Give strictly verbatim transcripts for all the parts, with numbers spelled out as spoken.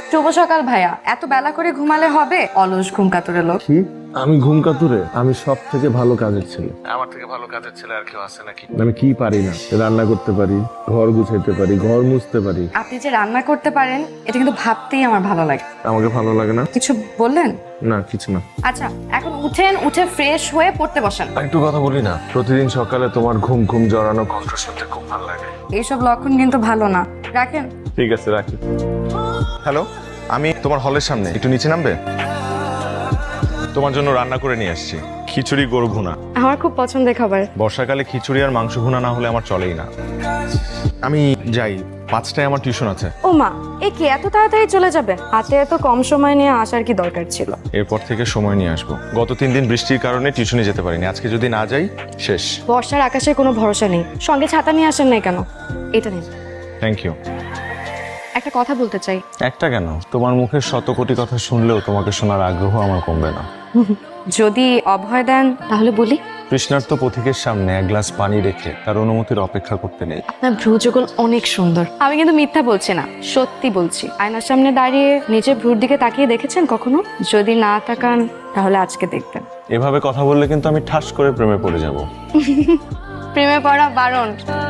শুভ সকাল ভাইয়া। এত বেলা করে ঘুমালে হবে? অলস ঘুম কাতুরে লোক। কি? আমি ঘুম কাতুরে? আমি সব থেকে ভালো কাজের ছেলে। আমার থেকে ভালো কাজের ছেলে আর কেউ আছে নাকি? আমি কি পারি না? রান্না করতে পারি, ঘর গুছাইতে পারি, ঘর মুছতে পারি। আপনি যে রান্না করতে পারেন এটা কিন্তু ভাবতেই আমার ভালো লাগে। আমাকে ভালো লাগে না? কিছু বললেন? না, কিছু না। আচ্ছা, এখন উঠেন, উঠে ফ্রেশ হয়ে পড়তে বসেন। একটু কথা বলি না? প্রতিদিন সকালে তোমার ঘুম ঘুম জড়ানো কণ্ঠ শুনতে খুব ভালো লাগে। এইসব লক্ষণ কিন্তু ভালো না, রাখেন। ঠিক আছে, রাখি। হ্যালো, আমি তোমার হলের সামনে, একটু নিচে নামবে? তোমার জন্য রান্না করে নিয়ে আসছি, খিচুড়ি গরু ভুনা। আমার খুব পছন্দের খাবার। বর্ষাকালে খিচুড়ি আর মাংস ভুনা না হলে আমার চলেই না। আমি যাই, পাঁচটায় আমার টিউশন আছে। ও মা, এ কি এত তাড়াতাড়ি চলে যাবে? হাতে এত কম সময় নিয়ে আসার কি দরকার ছিল? এরপর থেকে সময় নিয়ে আসবো। গত তিন দিন বৃষ্টির কারণে টিউশনে যেতে পারিনি, আজকে যদি না যাই শেষ। বর্ষার আকাশে কোনো ভরসা নেই, সঙ্গে ছাতা নিয়ে আসেন নাই কেন? এটা নিন। Thank you. একটা কথা বলতে চাই। একটা কেন, তোমার মুখের শত কোটি কথা শুনলেও তোমাকে শোনার আগ্রহ আমার কমবে না। যদি অভয় দেন তাহলে বলি। তৃষ্ণার্ত পথিকের সামনে এক গ্লাস পানি রেখে তার অনুমতির অপেক্ষা করতে নেই। আপনার ভ্রুযুগল অনেক সুন্দর। আমি কিন্তু মিথ্যা বলছি না, সত্যি বলছি। আয়নার সামনে দাঁড়িয়ে নিজের ভ্রুর দিকে তাকিয়ে দেখেছেন কখনো? যদি না তাকান তাহলে আজকে দেখবেন। এভাবে কথা বললে কিন্তু আমি ঠাস করে প্রেমে পড়ে যাব। প্রেমে পড়া বারণ।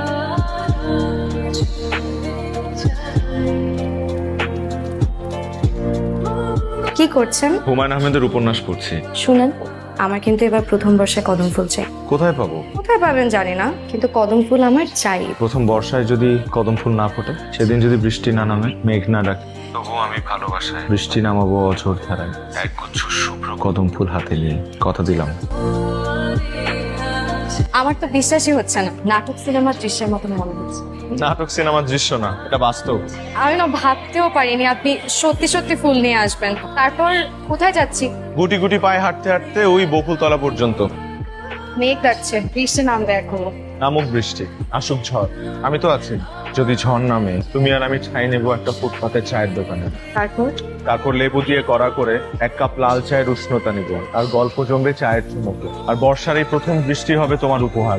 কি করছেন? হুমায়ুন আহমেদের উপন্যাস পড়ছি। শুনেন, আমার কিন্তু এবার প্রথম বর্ষায় কদম ফুল চাই। কোথায় পাবো? কোথায় পাবেন জানি না, কিন্তু কদম ফুল আমার চাই। প্রথম বর্ষায় যদি কদম ফুল না ফোটে, সেদিন যদি বৃষ্টি না নামে, মেঘ না ডাকে, তবুও আমি ভালোবাসায় বৃষ্টি নামাবো অঝোর ধারায়, এক গুচ্ছ শুভ্র কদম ফুল হাতে নিয়ে। কথা দিলাম। আমার তো বিশ্বাসই হচ্ছে না, নাটক সিনেমার দৃশ্যের মতন মনে হচ্ছে। নাটক সিনেমার দৃশ্য না, এটা বাস্তব। আমি না ভাবতেও পারিনি আপনি সত্যি সত্যি ফুল নিয়ে আসবেন। তারপর কোথায় যাচ্ছি? গুটি গুটি পায়ে হাঁটতে হাঁটতে ওই বকুলতলা পর্যন্ত। মেঘ ডাকছে, বৃষ্টি নামবে এখনো। নামুক বৃষ্টি, আসুক ঝড়, আমি তো আছি। যদি ঝড় নামে, তুমি আর আমি ছাই নেবো একটা ফুটপাতের চায়ের দোকানে। তারপর তারপর লেবু দিয়ে কড়া করে এক কাপ লাল চায়ের উষ্ণতা নিব, আর গল্প জমবে চায়ের চুমুকে। আর বর্ষার এই প্রথম বৃষ্টি হবে তোমার উপহার।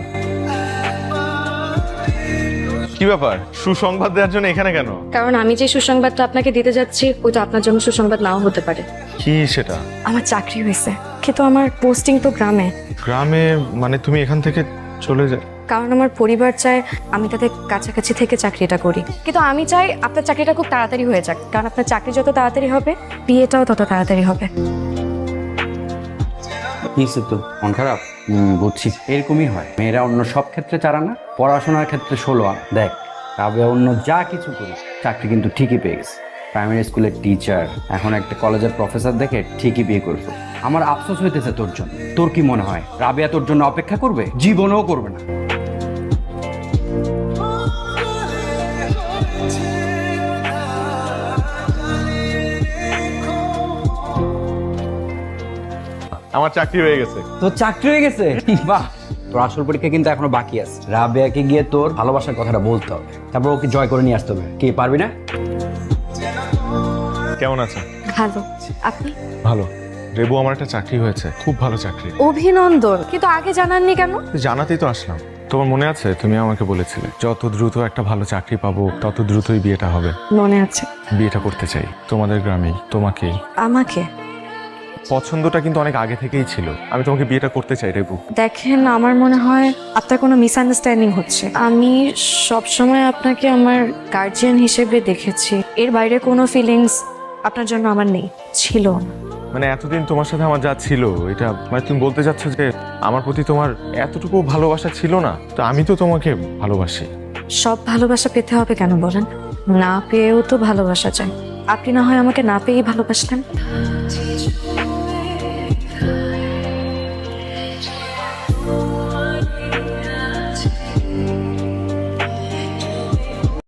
কি ব্যাপার, সুসংবাদ দেওয়ার জন্য এখানে কেন? কারণ আমি যে সুসংবাদটা আপনাকে দিতে যাচ্ছি ওইটা আপনার জন্য সুসংবাদ নাও হতে পারে। কি সেটা? আমার চাকরি হয়েছে, কিন্তু আমার পোস্টিং তো গ্রামে। গ্রামে মানে তুমি এখান থেকে চলে যা? কারণ আমার পরিবার চায় আমি তাদের কাছাকাছি থেকে চাকরিটা করি, কিন্তু আমি চাই আপনার চাকরিটা খুব তাড়াতাড়ি হয়ে যাক। কারণ আপনার চাকরি যত তাড়াতাড়ি হবে, বিয়েটাও তত তাড়াতাড়ি হবে। নিশ্চিত তো মন খারাপ? হুম, বুঝছি। এরকমই হয়, মেয়েরা অন্য সব ক্ষেত্রে চারা না, পড়াশোনার ক্ষেত্রে ষোলো আনা। দেখ, তবে অন্য যা কিছু করি, চাকরি কিন্তু ঠিকই পেয়ে গেছে। প্রাইমারি স্কুলের টিচার, এখন একটা কলেজের প্রফেসর দেখে ঠিকই বিয়ে করবে। আমার আফসোস হইতেছে তোর জন্য। তোর কি মনে হয় রাবেয়া তোর জন্য অপেক্ষা করবে? জীবনেও করবে না। আমার চাকরি হয়ে গেছে। তোর চাকরি হয়ে গেছে? বাহ, তোর আসল পরীক্ষা কিন্তু এখনো বাকি আছে। রাবেয়াকে গিয়ে তোর ভালোবাসার কথাটা বলতে হবে, তারপর ওকে জয় করে নিয়ে আসতে হবে। কি পারবি না? কেমন আছে? ভালো, আপনি? ভালো। রেবু, আমার একটা চাকরি হয়েছে, খুব ভালো চাকরি। অভিনন্দন, কিন্তু আগে জানাননি কেন? জানাতেই তো আসলাম। তোমার মনে আছে, তুমি আমাকে বলেছিলে যত দ্রুত একটা ভালো চাকরি পাবো তত দ্রুতই বিয়েটা হবে। মনে আছে। বিয়েটা করতে চাই তোমাদের গ্রামেই, তোমাকেই। আমাকে? পছন্দটা কিন্তু অনেক আগে থেকেই ছিল। আমি তোমাকে বিয়েটা করতে চাই রেবু। দেখেন, আমার মনে হয় আপনার কোনো মিসআন্ডারস্ট্যান্ডিং হচ্ছে। আমি সবসময় আপনাকে আমার গার্জিয়ান হিসেবে দেখেছি, এর বাইরে কোনো ফিলিংস আপনার জন্য আমার নেই, ছিল না। মানে এতদিন তোমার সাথে আমার যা ছিল, এটা মানে তুমি বলতে চাচ্ছ যে আমার প্রতি তোমার এতটুকু ভালোবাসা ছিল না? তো আমি তো তোমাকে ভালোবাসি। সব ভালোবাসা পেতে হবে কেন বলেন? না পেয়েও তো ভালোবাসা চাই। আপনি না হয় আমাকে না পেয়েই ভালোবাসলেন।